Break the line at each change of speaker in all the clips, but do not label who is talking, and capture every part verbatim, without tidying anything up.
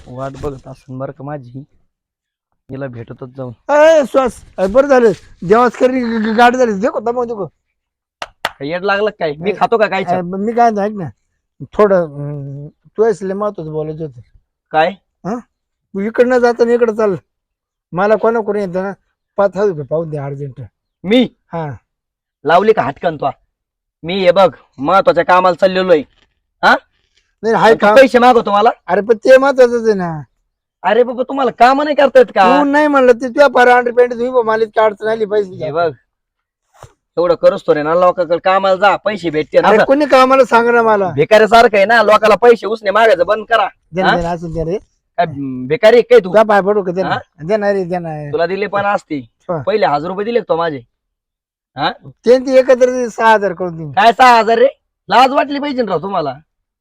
वाट बघत असून बरं का माझी, हिला भेटतच जाऊन.
अय श्वास बरं झालं देवास करी गाडी झाली देखो दमव देखो.
काय येड लागलं काय? मी खातो का काय?
अय, मी काय म्हणतो, ऐक ना थोडं अं, तू असले महत्वाचं बोलायचं होतं.
काय
हा तू इकडनं जाता इकडं चाल. मला कोणा कोणी येतं ना पाच हजार रुपये पाहून दे अर्जंट.
मी
हा
लावली का हटकन तो? मी हे बघ महत्वाच्या कामाला चाललेलो आहे. हा
नाही हाय
तू
का?
पैसे मागवतो मला?
अरे पण ते महत्वाचंच आहे ना.
अरे बाबा तुम्हाला काम नाही करता येत का?
तू नाही म्हणलं ते तुझ्या फार अंडर पेंट तुम्ही मला इतकी अडचण आली पैसे.
हे बघ एवढं करूच तो रे ना, लोकांकडे कामाला जा पैसे भेटते ना.
अरे कोणी कामाला सांग ना मला.
भिकाऱ्यासारखं आहे ना, लोकांना पैसे उसने मागायचं बंद करा.
दे ना, दे ना, असं दे रे.
काय भिकारी आहे काय तू?
तुझा पाय पडू का? दे ना, दे ना रे, दे ना.
तुला दिले पण असते
हा.
पहिले हजार रुपये दिले का तो माझे? हा
ते ते एकत्र दे, सहा हजार करून दे.
काय सहा हजार रे? लाज वाटली पाहिजे ना राव तुम्हाला.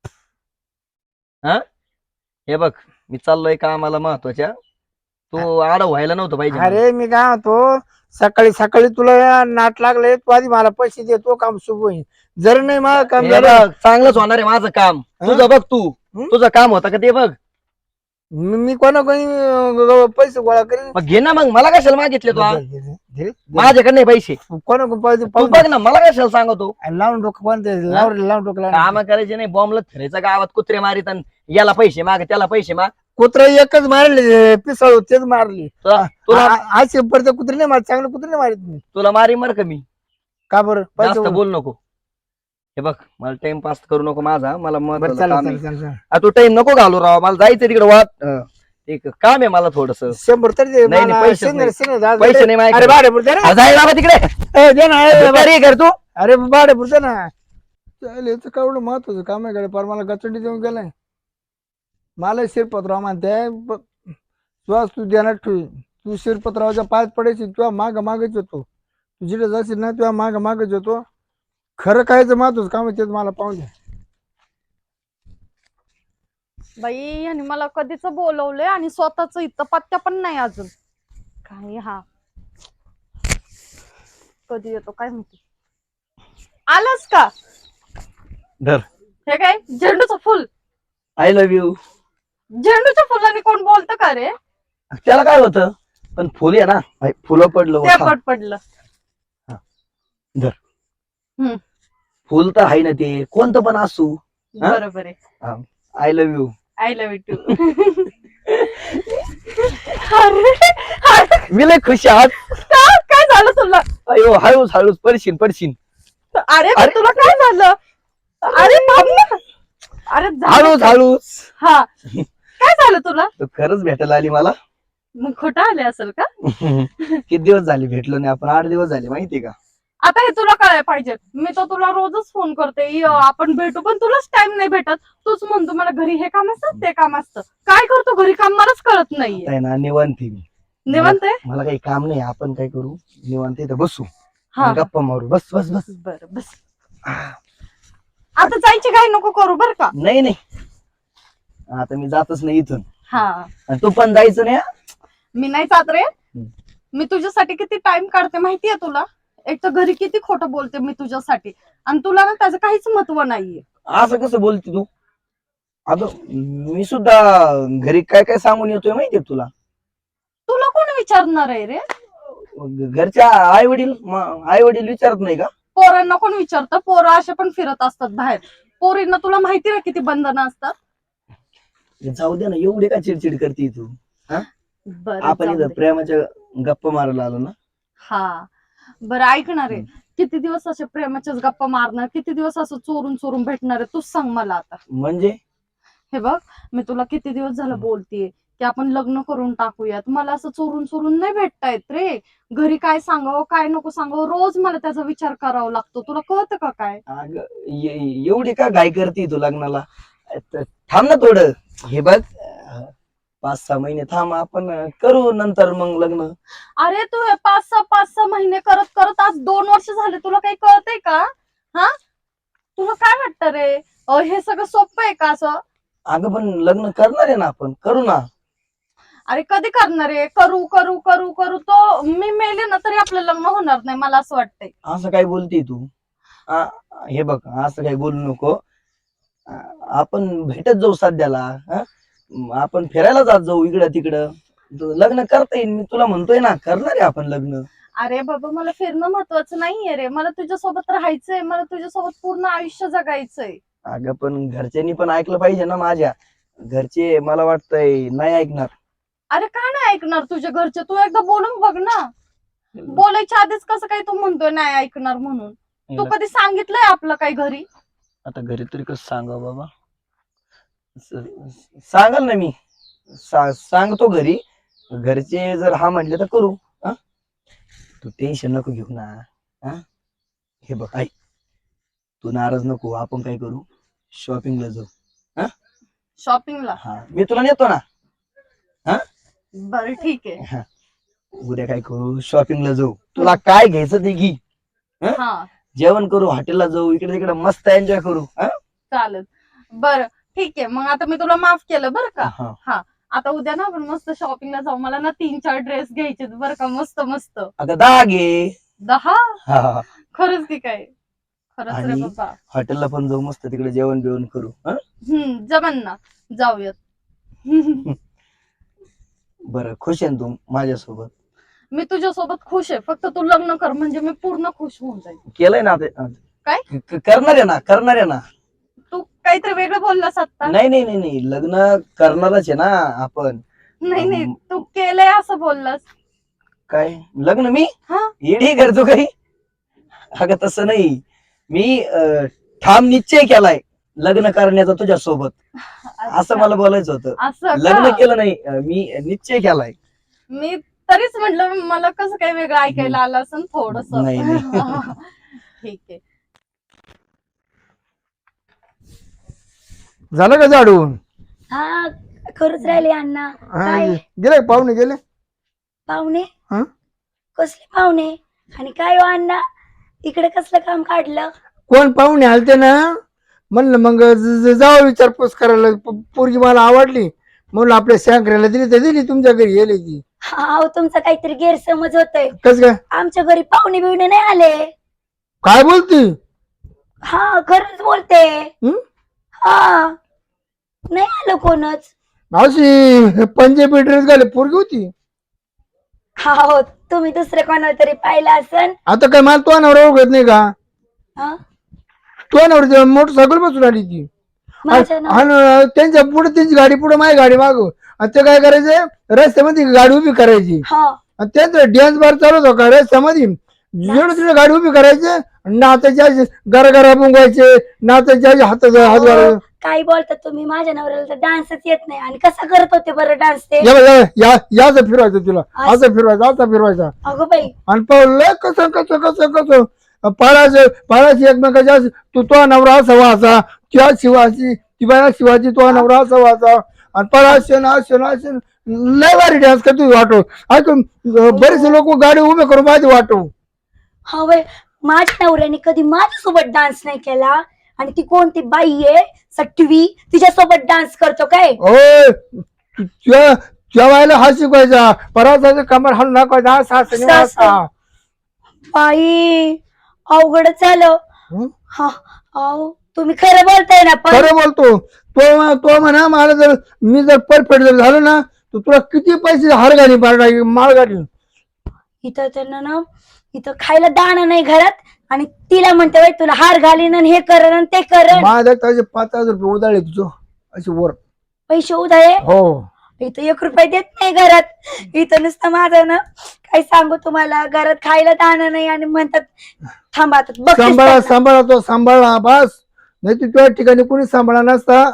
हा हे बघ मी चाललोय कामाला महत्वाच्या, तू आडव व्हायला नव्हतं पाहिजे.
अरे मी काय म्हणतो, सकाळी सकाळी तुला नाट लागले तू आधी मला पैसे दे, तो काम शुभ होईल. जर नाही मला काम
हे
झालं
बघ, चांगलंच होणार आहे माझं काम.
हा?
तुझं बघ तू,
हं?
तुझं काम होतं का ते बघ.
मी मी कोणा कोणी अं, पैसे गोळा करेन.
मग घे ना, मग मला कशाला मागितले तू?
दे, दे, दे, दे, दे.
माझ्याकडे नाही पैसे.
कोणा कोण पैसे
तू
पाहून
बघ ना, मला कशाला सांगतो?
दे. लावून डोकं कोण ते लावून लावून डोकं लावून.
काम करायचे नाही, बॉम्बला फिरायचं गावात कुत्रे मारित आणि याला पैसे माग त्याला पैसे माग.
कुत्रा एकच मारले पिसाळू तेच मारली.
तुला तुला
आज परत कुत्रे नाही मारत, चांगले कुत्रे नाही मारत मी.
तुला मारी मर का मी?
का बरं
जास्त
पैसे
बोल नको. हे बघ मला टाइम पास करू नको माझा, मला
बरं
महत्वाचं
चालेल
काम आहे.
चालेल चालेल.
आ, तू टाइम नको घालू राव, मला जायचं तिकडे वाट अं, एक काम आहे मला थोडस.
शंभर तरी दे
नाही,
मला.
नाही, पैसेच
शंभर-
नाही.
शंभर दहा-
पैसे नाही माझ्याकडे.
अरे भाडे पुरते ना.
जाय बाबा तिकडे.
ए, दे ना ए,
भिकारी आहे का रे तू?
अरे भाडे पुरते ना. चालेल याचं काय एवढं महत्वाचं काम आहे कडे पर मला गचंडी देऊन गेलाय. मला शिरपतराव म्हणते ब- तुला तू देणार ठेवी, तू शिरपतरावच्या पायात पडायची, तुला माग मागच येतो. तू जिथे जाशील ना तुला माग मागच येतो. खरं कायचं महत्वाचं काम आहे तेच मला पाहून द्या.
बाई यांनी मला कधीच बोलवलंय आणि स्वतःच इथं पत्त्या पण नाही अजून. काय हा कधी येतो काय माहिती. आलास का?
धर.
हे काय झेंडूचं फुल?
I love you.
झेंडूच्या फुलाने कोण बोलतं का रे?
त्याला काय होतं, पण फुल आहे ना, भाई, फुलं पडलं
ते
होतं.
पट पडलं.
धर.
हम्म
फुल तर आहे ना, ते कोणतं पण असू. हा?
बरोबर आहे.
I love you.
I love you too. अरे अरे,
मी लय खुश आहात.
का- काय झालं तुला?
अयो हळूच हळूच पडशीन पडशीन.
अरे पण
अरे.
तुला काय झालं? अरे थांब ना. अरे झालं
हळूच
काय?
हळूच.
हा काय झालं तुला?
तू खरंच भेटायला आली मला.
मग खोटं आले असेल का?
किती दिवस झाले भेटलो नाही आपण? आठ दिवस झाले माहितीये का?
आता हे तुला कळायला पाहिजे. मी तर तुला रोजच फोन करते, "य, आपण भेटू," पण तुलाच टाइम नाही भेटत. तूच म्हणतो मला घरी हे काम असतं ते काम असतं. काय करतो घरी काम मलाच कळत नाहीये.
आहे ना निवांत आहे मी.
निवांत आहे?
मला काही काम नाही, आपण काय करू, निवांत इथं बसू
हा
गप्पा मारू. बस बस बस.
बर बस. आता जायची काही नको करू बर का?
नाही नाही, आता मी जातच नाही इथून.
हा
आणि तू पण जायचं नाही. हा?
मी नाही जात रे. मी तुझ्यासाठी किती टाइम काढते माहितीये तुला? एक तर घरी किती खोटं बोलते मी तुझ्यासाठी, आणि तुला ना त्याचं काहीच महत्व नाहीये.
असं कसं बोलते तू? अगं मी सुद्धा घरी काय काय सांगून येतोय माहितीये तुला?
तुला कोण विचारणार आहे रे?
घरच्या आई वडील आई वडील विचारत नाही का?
पोरांना कोण विचारतं? पोरं असे पण फिरत असतात बाहेर. पोरींना तुला माहिती ना किती बंधनं असतात.
जाऊ दे ना, एवढी का चिडचिड करते तू?
बरं
आपण
जाऊ
इथं
दे.
प्रेमाच्या गप्पा मारायला आलो ना.
हा बरं ऐकणार आहे. किती दिवस असे प्रेमाच्याच गप्पा मारणार? किती दिवस असं चोरून चोरून भेटणार आहे? तूच सांग मला आता.
म्हणजे
हे बघ, मी तुला किती दिवस झालं बोलतीये की आपण लग्न करून टाकूयात. मला असं चोरून चोरून नाही भेटता येत रे. घरी काय सांगावं काय नको सांगावं, रोज मला त्याचा विचार करावा लागतो. तुला कळतं का काय?
अगं, ए- एवढी का घाई करते तू लग्नाला? त- थांब ना थोडं. हे बघ, अं, पाच सहा महिने थांब, आपण अं, करू नंतर मग लग्न.
अरे तू हे पाच सहा पाच सहा महिने करत करत आज दोन वर्ष झाले. तुला काही कळतंय का? हा तुला काय वाटतं रे? अं, हे सगळं सोपं आहे का असं?
अगं पण लग्न करणार आहे ना, आपण करू ना.
अरे कधी करणार आहे? करू करू करू करू तो मी मेले ना तरी आपलं लग्न होणार नाही, मला असं वाटतंय.
असं काय बोलते तू? आ, हे बघ, असं काही बोलू नको. आ, आपण भेटत जाऊ सध्याला. हा? म आपण फिरायला जात जाऊ इकडं तिकडं. तू लग्न करता येईल, मी तुला म्हणतोय ना, करणार आहे आपण लग्न.
अरे बाबा मला फिरणं महत्वाचं नाहीये रे, मला तुझ्यासोबत राहायचंय, मला तुझ्यासोबत पूर्ण आयुष्य जगायचंय.
अगं पण घरच्यांनी पण ऐकलं पाहिजे ना माझ्या. घरचे मला वाटतंय नाही ऐकणार.
अरे का नाही ऐकणार तुझ्या घरचे? तू एकदा बोलून बघ ना. बोलायच्या आधीच कसं काय तू म्हणतोय नाही ऐकणार म्हणून? तू कधी सांगितलंय आपलं काही घरी?
आता घरी तरी कसं सांगावं बाबा. स- सांगाल ना मी, सा- सांगतो घरी. घरचे जर हा म्हणले तर करू. हा? तू टेन्शन नको घेऊ ना. हा? हे बघ ऐक, तू नाराज नको. आपण काय करू, शॉपिंगला जाऊ.
शॉपिंगला?
हा, मी तुला नेतो ना.
बरं ठीक आहे.
हा, उद्या काय करू, शॉपिंगला जाऊ. तुला काय घ्यायचं ते घे.
हा
जेवण करू, हॉटेलला जाऊ, इकडे तिकडे मस्त एन्जॉय करू. हा?
चालेल. बरं ठीक आहे, मग आता मी तुला माफ केलं बरं का.
हा.
हा, आता उद्या ना आपण मस्त शॉपिंगला जाऊ. मला ना तीन चार ड्रेस घ्यायचे बरं का, मस्त मस्त.
अगं दहा घे.
दहा?
हा, हा.
खरंच की काय? खरंच रे
आणि
बाबा.
हॉटेलला पण जाऊ, मस्त तिकडे जेवण बिवण करू. हा?
हम्म जमन ना, जाऊयात.
बरं, खुश आहे ना तू माझ्यासोबत?
मी तुझ्यासोबत खुश आहे, फक्त तू लग्न कर म्हणजे मी पूर्ण खुश होऊन जाईल.
केलंय ना ते?
काय?
क- करणार आहे ना, करणार आहे ना.
तू काहीतरी वेगळं बोललास आता.
नाही नाही नाही नाही, लग्न करणारच आहे ना आपण.
नाही नाही,
अम,
तू केलंय असं बोललास.
काय लग्न? मी
हा
येडी करतो काही? अगं तसं नाही, मी अं, ठाम निश्चय केलाय लग्न करण्याचा तुझ्यासोबत, असं
अच्छा.
मला बोलायचं होतं.
असं
लग्न
का?
केलं नाही, अं, मी निश्चय केलाय.
मी तरीच म्हटलं मला कसं काही वेगळं ऐकायला आलं असं थोडस.
नाही, नाही.
ठीक आहे.
झालं का झाडून?
हा करूच राहिले अण्णा.
हा,
काय
गेले का पाहुणे गेले?
पाहुणे?
हा?
कसले पाहुणे? आणि काय हो अण्णा, इकडे कसलं काम काढलं?
कोण पाहुणे आलते ना, म्हणलं मग ज- ज- जावं विचारपूस करायला. प- पोरगी मला आवडली म्हणून आपल्या शंकराला दिली तर दिली, तुमच्या घरी गेली ती.
हा तुमचा काहीतरी गैरसमज होतोय.
कस काय?
आमच्या घरी पाहुणे बिवणे नाही आले.
काय बोलती?
हा खरंच बोलते.
हं?
हा नाही आलं कोणच.
मावशी पंजाबी ड्रेस घाले पोरगी होती.
हा हो, तुम्ही दुसरं कोणाला तरी पाहिलं असन.
आता काय मला तो नवरा ओळखत नाही का?
हा?
तो नवरा मोटरसायकल बसून आली ती.
माझ्या नाव-
आणि त्यांच्या पुढे त्यांची गाडी, पुढे माझी गाडी माग. आणि ते काय करायचे, रस्त्यामध्ये गाडी उभी करायची.
हा
आणि त्यांचं डॅन्स बार चालू होतो का रस्त्यामध्ये, जेवढं तिथे गाडी उभी करायचे, नात्याच्या घरा घरा मुंगायचे, नात्याच्या हातात हात घालायचे.
अहो, काय बोलता तुम्ही? माझ्या नवऱ्याला तर डान्सच येत नाही. आणि कसा करत होते बरं डान्स ते?
या या- या याचं फिरवायचं तुला, असं फिरवायचं, असं फिरवायचा.
अगो बाई,
आणि पाहिलं कसं कसं कसं कसं पाळायचं पाळायची एकमेकाच्या. तू तो नवरा असा व्हायचा, त्या शिवाची ती बाया शिवाची, तो नवरा असा व्हायचा. आणि पळाशे ना असे ना असे लय भारी डान्स करतो वाटो. ऐकून बरेचसे लोक गाडी उभे करून माझी वाटो.
हा बाई, माझ्या नवऱ्याने कधी माझ्यासोबत डान्स नाही केला. आणि ती कोणती बाई आहे सटवी, तिच्यासोबत डान्स करतो काय?
ओय त्या त्या बायला हा शिकवायचा, पराचा कमर हाणून दाखवायचा, असा असा नाही असा.
बाई अवघडच झालं.
हं?
हा अहो, तुम्ही खरं बोलताय ना? पण
खरं बोलतो तो. तो म्हणा मला जर मी जर परफेक्ट जर झालो ना, तर तुला किती पैसे हार घाली माळ घाली.
इथं त्यांना ना, इथं खायला दाणं नाही घरात. आणि तिला म्हणते बाई तुला हार घालीन आणि हे करण आणि ते करण.
माझ्या त्याचे पाच हजार रुपये उधाळे तुझं अशी वर.
पैसे उधाळे?
हो.
इथं एक रुपये देत नाही घरात. इथं नुसतं माझं ना, काय सांगू तुम्हाला, घरात खायला दाणं नाही. आणि म्हणतात थांबा आता बघतेच
सांभाळा
त्यांना.
सांभाळा तो सांभाळा बस. नाही तर तुझ्या ठिकाणी कोणी सांभाळा नसता.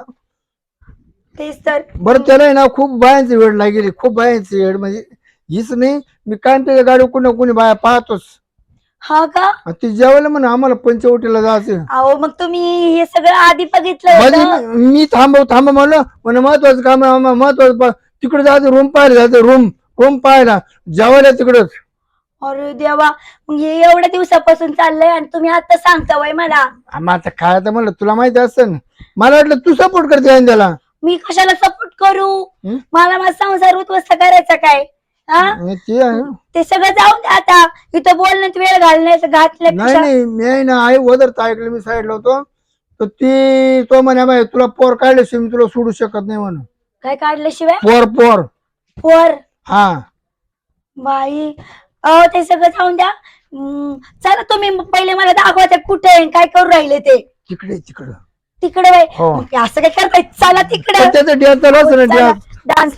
तेच तर.
बरं त्याला आहे ना खूप बायांची वेळ लागेली, खूप बायांची वेळ. म्हणजे हीच नाही, मी काय त्याच्या गाडी कोणी कोणी बाया पाहतोच.
हा का?
आणि ती जेवायला म्हणा आम्हाला पंचवटीला जायचं.
अहो मग तुम्ही हे सगळं आधी बघितलं
म्हणजे
होतं?
मी मी थांबव थांबव म्हणलं म्हणे महत्वाचं काम आहे आम्हाला, महत्वाचं तिकडे जायचं, रूम पाहायला जायचं, रूम रूम पाहायला, जेवायला तिकडच.
अरे देवा, मग हे एवढ्या दिवसापासून चाललंय आणि तुम्ही आता सांगता वय मला?
आम्ही आता काय आता म्हणलं तुला माहिती असतं ना, मला वाटलं तू सपोर्ट करते आणि त्याला.
मी कशाला सपोर्ट करू?
हं?
मला माझा संसार उद्ध्वस्त करायचा काय? हा?
आणि ते आहे.
ते सगळं जाऊन द्या आता. इथं बोलण्यात वेळ घालण्याचं
नाही
घातलं.
नाही मी आहे ना आई वदर ऐकलं, मी साईडला होतो तर ती तो म्हणे बाई तुला पोर काढल्याशिवाय मी तुला सोडू शकत नाही म्हणून.
काय काढल्याशिवाय
पोर पोर
पोर
हा
बाई अहो ते सगळं जाऊन द्या. हम्म, चला तुम्ही पहिले मला दाखवा ते कुठे आहे, काय करू राहिले ते
तिकडे तिकडं
तिकडे बाई.
हो.
मग असं काय करताय, चला तिकडे
पण त्याचं dance चालू असतं ना, dance.
डान्स.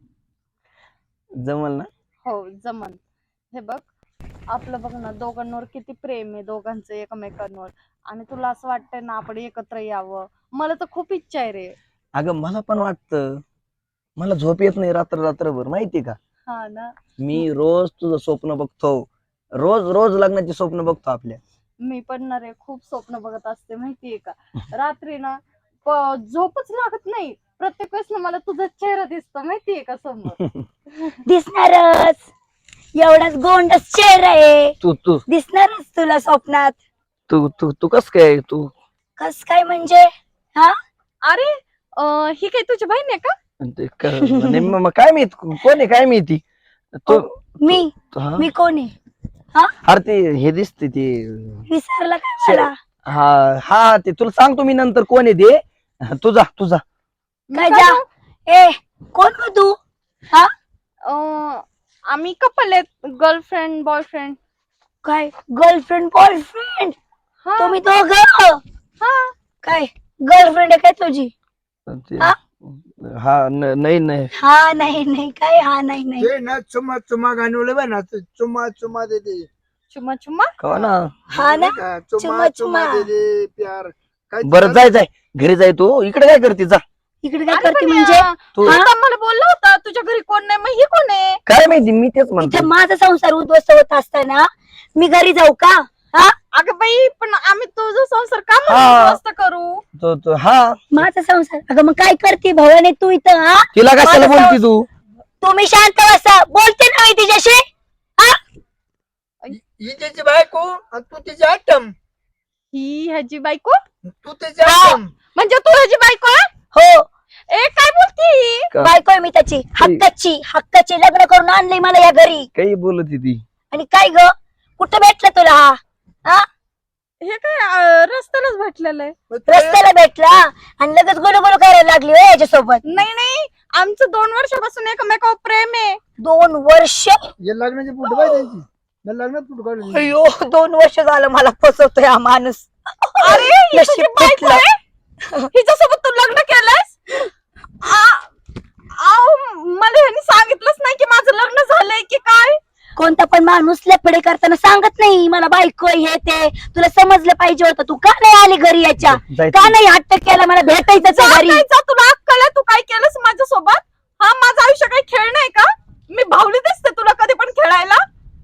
जमल ना?
हो जमन. हे बघ आपलं बघ ना दोघांवर किती प्रेम आहे दोघांचं एकमेकांवर, आणि तुला असं वाटतंय ना आपण एकत्र यावं. मला तर खूप इच्छा आहे रे.
अगं मला पण वाटतं. मला झोप येत नाही रात्र रात्रभर माहिती का.
हा ना.
मी रोज तुझं स्वप्न बघतो, रोज रोज लग्नाची स्वप्न बघतो आपल्या.
मी पण ना रे खूप स्वप्न बघत असते माहितीये का. रात्री ना प- झोपच लागत नाही. प्रत्येक वेळेस ना मला तुझा चेहरा दिसतो माहितीये का समोर.
दिसणारच, एवढाच गोंडस चेहरा आहे,
तू तू
दिसणारच तुला स्वप्नात.
तू तू तू कस काय तू
कस काय म्हणजे? हा
अरे अं, ही काय तुझी बहीण आहे का?
ते क- नेम- मग काय माहित कोण आहे काय माहिती तू.
मी
हा?
मी कोण आहे?
अरे ते हे दिसते ते.
विसरला काय मला?
हा हा ते तुला सांगतो मी नंतर कोण आहे ते. तुझा तुझा
मी
काय
काय
जा
सांगू?
ए कोण हो तू? हा
अं, आम्ही कपल आहेत, गर्लफ्रेंड बॉयफ्रेंड.
काय गर्लफ्रेंड बॉयफ्रेंड?
हा
तुम्ही दोघं
हा.
काय गर्लफ्रेंड आहे काय तुझी?
ते-
हा?
हा न- नाही नाही
हा नाही नाही काय हा नाही नाही
ते ना चुमा चुमा गाणवलं बा ना ते चुमा चुमा दे दे
चुम्मा चुम्मा.
का ना.
हा ना
का?
चुमा
चुमा चुमा
चुमा.
दे दे प्यार काय
बरं जाय जाय घरी जाय तू. इकडे काय करते जा.
इकडे काय
अरे
करते
पण,
म्हणजे?
अं,
तू
तू आता मला बोलला होता तुझ्या घरी कोण नाही, मग ही कोण आहे?
काय माहिती मी तेच
इथे
म्हणतो.
माझा संसार उद्ध्वस्त होत असताना मी घरी जाऊ का? हा
अगं बाई पण आम्ही तुझा संसार का
हा.
म्हणून उद्ध्वस्त करू?
तो तो हा
माझा संसार. अगं मग काय करते भवाने तू इथं? हा
तिला कशाला
माझा
बोलती तू.
तुम्ही शांत बसा, बोलते ना मी तिच्याशी. हा
ही त्याची बायको आणि तू तिची आटम.
ही ह्याची बायको
तू त्याची आटम.
म्हणजे तू ह्याची बायको आहे?
हो
ए काय बोलती ही?
का-
बायको आहे मी त्याची, हक्काची हक्काची. लग्न करून आणलंय मला या घरी.
काही बोलत ती.
आणि काय ग कुठं भेटलं तुला हा? हा
हे काय अं, रस्त्यालाच भेटलेलं आहे.
मग ते-
रस्त्याला भेटला आणि लगेच गुलू गुलू करायला लागली हो याच्यासोबत.
नाही नाही आमचं दोन वर्षापासून एकमेकावर प्रेम आहे.
दोन वर्ष?
हे लग्नाची फुट पाहिजे त्यांची. मी लग्नात फुट काढली.
अयो दोन वर्ष झालं मला फसवतोय हा माणूस.
अरे ही
नशीब
तुझी बायको
फुटलं.
आहे? हिच्यासोबत तू लग्न केलंस? आ- आव, मला ह्यांनी सांगितलंच नाही की माझं लग्न झालंय की काय.
कोणता पण माणूस लफडे करताना सांगत नाही मला बायको आहे, हे ते. तुला समजलं पाहिजे होतं. तू का नाही आली घरी याच्या?
जाय
का
तू.
नाही हट्ट केला मला भेटायचं
जा
घरी?
काय जा, तुला अक्कल आहे? तू काय केलंस माझ्यासोबत? हा माझं आयुष्य काही खेळ नाही का? मी भावली दिसते तुला कधी पण खेळायला?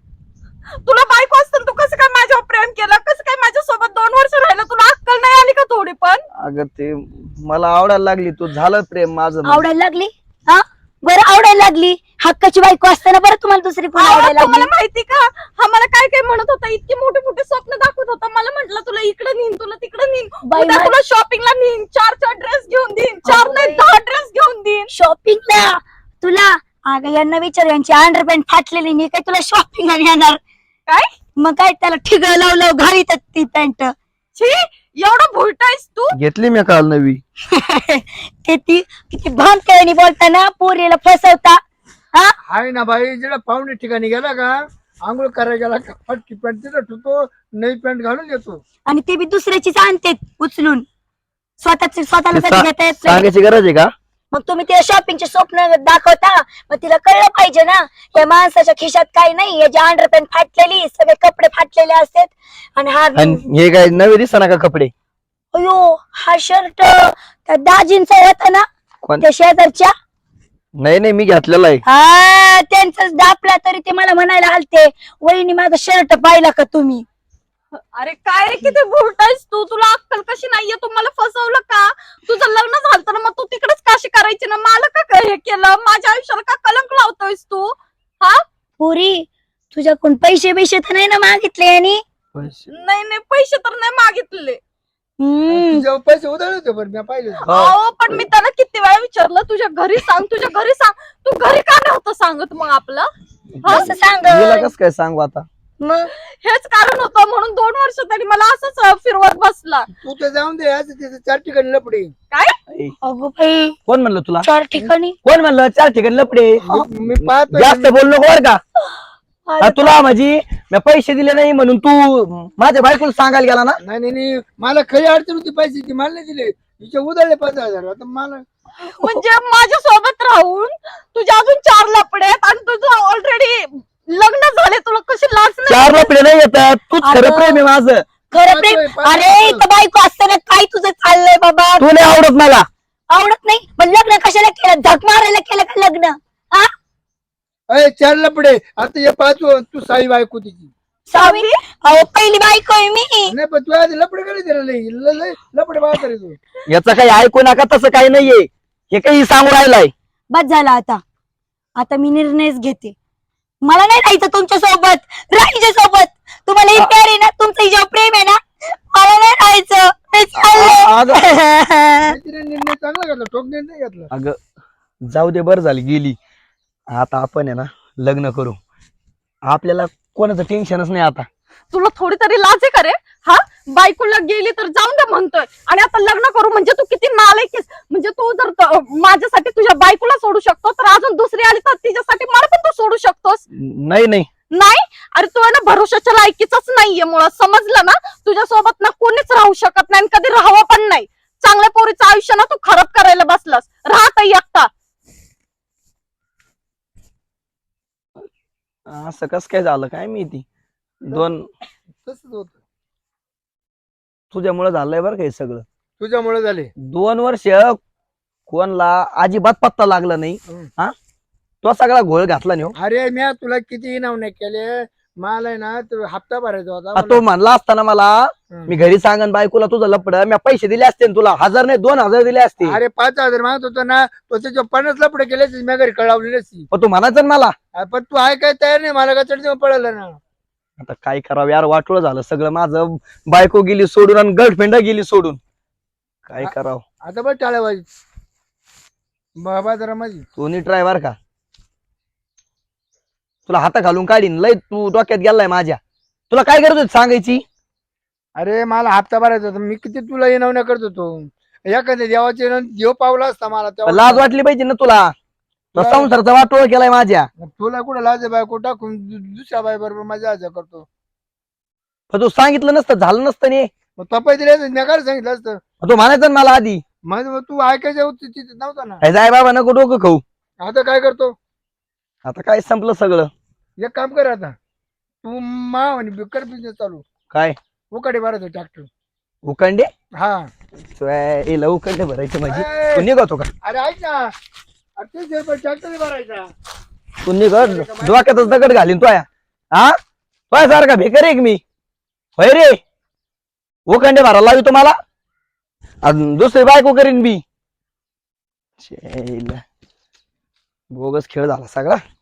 तुला बायको असतं तू कसं काय माझ्यावर प्रेम केलं? कसं काय माझ्यासोबत दोन वर्ष राहिलं? तुला अक्कल नाही आली का थोडी पण?
अगं ते मला आवडायला लागली तू. झालं प्रेम माझं.
आवडायला लागली? हा बरं आवडायला लागली. हक्काची बायको असताना बरं तुम्हाला दुसरी कोण
अहो,
आवडायला
तुम्हाला
लागली?
माहिती का हा मला काय काय म्हणत होता, इतकी मोठे मोठे स्वप्न दाखवत होता. मला म्हटलं तुला इकडे नेईन, तुला तिकडे नेईन,
बाई,
उद्या
मा-
तुला शॉपिंगला नेईन, चार चार ड्रेस घेऊन देईन, चार
अगं
नाही
बाई.
दहा ड्रेस घेऊन देईन.
शॉपिंगला तुला? अगं यांना विचार, यांची अंडरपॅन्ट फाटलेली नाही काय तुला शॉपिंगला येणार?
काय
मग काय त्याला ठिग लावलं घालीत ती पॅन्ट.
छी एवढं भुलटायस तू?
घेतली मी काल नवी.
ते ती किती भान केल्याने बोलताना पोरीला फसवता. हा
आहे ना बाई जेव्हा पाहुणे ठिकाणी गेला का आंघोळ करायला गेला का फटकी पॅन्ट तिथं ठेवतो, नवी पॅन्ट घालून देतो.
आणि ते बी दुसऱ्याचीच आणते उचलून. स्वतःच स्वतःला
ते
कधी
सा-
घेता येत नाही.
सांगायची गरज आहे का.
मग तुम्ही तिला शॉपिंगचे स्वप्न दाखवता, मग तिला कळलं पाहिजे ना या माणसाच्या खिशात काही नाही. याची अंडरपॅन्ट फाटलेली, सगळे कपडे फाटलेले असतात. आणि हा
आणि हे काय नवे दिसना का कपडे.
अयो हा शर्ट त्या दाजींचा होता ना
कोण-
त्या शेजारच्या.
नाही नाही मी घेतलेला आहे.
हा त्यांचाच दापला तरी ते मला म्हणायला आलते, वहिनी माझा शर्ट पाहिला का तुम्ही?
अरे काय रे किती भुलटायस तू? तुला अक्कल कशी नाहीये? तू मला फसवलं का? तुझं लग्न झालं ना मग तू तिकडेच काशी करायची ना? मला का काय हे केलं? माझ्या आयुष्याला का कलंक लावतोयस तू? हा
पुरी तुझ्याकडून पैसे बिशे तर नाही ना मागितले आणि?
नाही नाही पैसे तर नाही मागितले.
हम्म
तुझ्यावर पैसे उधळले होते बरं मी पाहिले.
अहो पण मी त्याला किती वेळा विचारलं तुझ्या घरी सांग, तुझ्या घरी सांग. तू घरी का नव्हतं सांगत मग आपलं?
कसं सांग?
हिला कस काय सांगू आता.
मग
हेच कारण होतं म्हणून दोन वर्ष तरी मला असंच अं, फिरवत बसला.
तू तर जाऊन दे असं तिथे चार ठिकाणी लपडे
ए,
अगो बाई
कोण म्हणलं तुला
चार ठिकाणी
कोण म्हणलं चार ठिकाणी लपडे
मी मी पाहतो
जास्त बोल नको बर का आ, तुला माझी मी पैसे दिले नाही म्हणून तू माझ्या बायकोला सांगायला गेला ना.
नाही नाही नाही, मला खरी अडचण होती पैशाची मला नाही दिले तिचे उधळले पाच हजार आता मला
म्हणजे माझ्या सोबत राहून तुझ्या अजून चार लपडे आहेत आणि तुझं ऑलरेडी लग्न झाले, तुला कशी लाज नाही?
चार लपडे नाही येतात तूच खरं
अगं.
प्रेम आहे माझं.
खरं प्रेम
पाहतोय, पाहतोय.
अरे इथं बायको असताना काय तुझं चाललंय बाबा
तू नाही आवडत मला.
आवडत नाही पण लग्न कशाला केलं झक मारायला केलं का लग्न हा
अरे चार लपडे आता हे पाच तू साई बायको तिची
सावी
अहो पहिली बायको आहे मी
नाही पण तू आधी लपडे कडे दिलं लई ल- लई लपडे बाहेर तरी तू
याचं काही ऐकू नका, तसं काही नाहीये. हे काही सांगू राहिलाय.
बस झाला आता आता मी निर्णयच घेते. मला नाही राहायचं तुमच्या सोबत राहायच्या सोबत तुम्हाला ही प्यार आहे ना तुमचं हिच्यावर प्रेम आहे ना मला नाही राहायचं मी
आ- अगं
चालले.
तिने निर्णय चांगला घेतला ठोक निर्णय घेतला
अगं जाऊ दे, बरं झाली गेली. आता आपण आहे ना लग्न करू. आपल्याला कोणाचं टेन्शनच नाही आता.
तुला थोडी तरी लाज आहे का रे? हा बायकोला गेली तर जाऊन दे म्हणतोय आणि आता लग्न करू म्हणजे तू किती नालायक आहेस. म्हणजे तू जर त- माझ्यासाठी तुझ्या बायकोला सोडू शकतो तर अजून दुसरी आली तर तिच्यासाठी मला पण तू सोडू शकतोस.
नाही नाही
नाही अरे तू आहे ना भरोशाच्या लायकीचाच नाहीये मुळात, समजलं ना? तुझ्या सोबत ना कोणीच राहू शकत नाही आणि कधी राहावं पण नाही. चांगल्या पोरीचं आयुष्य ना तू खराब करायला बसलास. राहत एकटा.
असं कस काय झालं काय माहिती. दोन
तसंच होत
तुझ्यामुळे झालंय बरं का हे सगळं.
तुझ्यामुळे झाले
दोन वर्ष कोणला अजिबात पत्ता लागला नाही.
हम्म.
हा तो सगळा घोळ घातला नाही हो.
अरे मी तुला किती इनाम नाही केले मला आहे ना तो हप्ता भरायचा होता
आ, तो म्हणला असताना मला
हम्म.
मी घरी सांगन बायकोला तुझं लपड, मी पैसे दिले असते ना तुला. हजार नाही दोन हजार दिले असते.
अरे पाच हजार मागत होता ना तो त्याच्या पन्नास लपडे केले मी घरी कळवली नसती
पण तू म्हणायचं ना मला.
पण तू आहे काय तयार नाही मला का चढ पडलं ना
आता काय करावं यार, वाटोळं झालं सगळं माझं. बायको गेली सोडून आणि गर्लफ्रेंड गेली सोडून. काय
आ-
करावं.
आता बघ टाळ्या वाजी बाबा जरा माझी
तू नीट ड्रायव्हर का तुला हाता घालून काढीन लय. तू डोक्यात गेलाय माझ्या. तुला काय गरज होती सांगायची.
अरे मला हप्ता भरायचा होता मी किती तुला येणवण्या करत होतो एखाद्या देवाचे येणं देव पावला असता मला
पण
तेव्हा.
लाज वाटली पाहिजे ना तुला. तो
लाज-
संसारचा वाटोळ केलाय माझ्या.
तुला कुठं लाज बायको टाकून दु- दुसऱ्या बाई बरोबर माझ्या आजा करतो
पण तू सांगितलं नसतं झालं नसतं नी.
मग तपाय दिले मी काय सांगितलं असतं
तू म्हणायचं ना मला आधी.
मग मग तू ऐकायचं होती तिथे नव्हता ना
काय जाय बाबा नको डोकं खाऊ.
आता काय करतो
आता काय संपलं सगळं.
एक काम कर आता तू मा आणि कर बिझनेस चालू
काय
उकडे भरायचं ट्रॅक्टर
उकंडे
हा
एला उकंडे भरायचे माझी.
ए,
तू निघतो का
अरे ऐक ना अरे तीस रुपये ट्रॅक्टर भरायचा
तू निघत डोक्यातच दगड घालीन तो या. हा तो सारखा भेकर एक मी होय रे. उकंडे भरायला लावी तुम्हाला दुसरी बायको करीन मी. बोगस खेळ झाला सगळा.